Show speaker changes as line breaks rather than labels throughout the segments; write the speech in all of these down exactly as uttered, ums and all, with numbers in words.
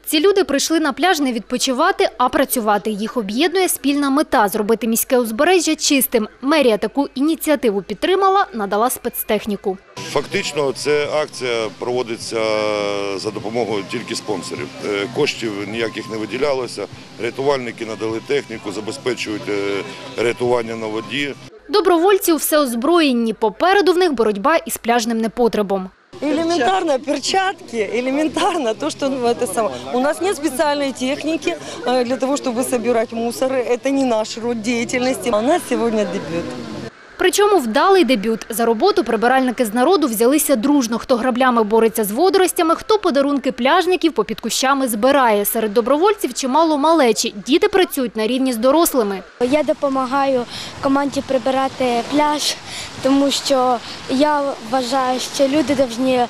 Ці люди прийшли на пляж не відпочивати, а працювати. Їх об'єднує спільна мета – зробити міське узбережжя чистим. Мерія таку ініціативу підтримала, надала спецтехніку.
Фактично, ця акція проводиться за допомогою тільки спонсорів. Коштів ніяких не виділялося, рятувальники надали техніку, забезпечують рятування на воді.
Добровольці все озброєнні. Попереду в них боротьба із пляжним непотребом.
Элементарно перчатки, элементарно то, что это самое. У нас нет специальной техники для того, чтобы собирать мусор. Это не наш род деятельности. У нас сегодня дебют.
Причому вдалий дебют. За роботу прибиральники з народу взялися дружно. Хто граблями бореться з водоростями, хто подарунки пляжників попід кущами збирає. Серед добровольців чимало малечі. Діти працюють на рівні з дорослими.
Я допомагаю команді прибирати пляж, тому що я вважаю, що люди повинні е,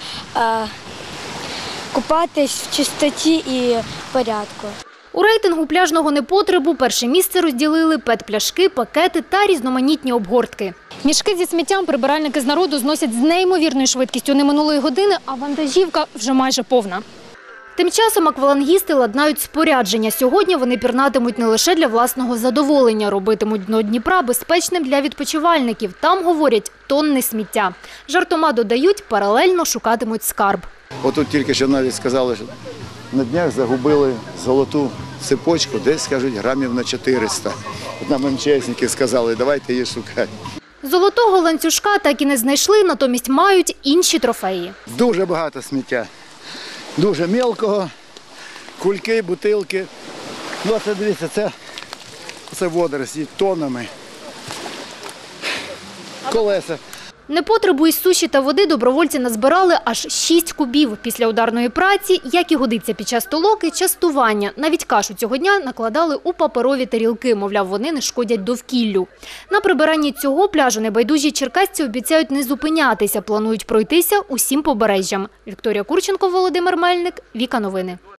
купатись в чистоті і порядку.
У рейтингу пляжного непотребу перше місце розділили пет-пляшки, пакети та різноманітні обгортки. Мішки зі сміттям прибиральники з народу зносять з неймовірною швидкістю. Не минулої години, а вантажівка вже майже повна. Тим часом аквалангісти ладнають спорядження. Сьогодні вони пірнатимуть не лише для власного задоволення, робитимуть дно Дніпра безпечним для відпочивальників. Там, говорять, тонни сміття. Жартома додають, паралельно шукатимуть скарб.
Отут тільки що навіть сказали, що на днях загубили золоту цепочку, десь, кажуть, грамів на чотириста. От нам МЧСники сказали, давайте її шукати.
Золотого ланцюжка так і не знайшли, натомість мають інші трофеї.
Дуже багато сміття, дуже мілкого, кульки, бутилки. Ну, а це, дивіться, це, це водорості тоннами, колеса.
Непотребу із суші та води добровольці назбирали аж шість кубів. Після ударної праці, як і годиться під час толоки, частування. Навіть кашу цього дня накладали у паперові тарілки, мовляв, вони не шкодять довкіллю. На прибиранні цього пляжу небайдужі черкасці обіцяють не зупинятися, планують пройтися усім побережжям. Вікторія Курченко, Володимир Мельник, Віка Новини.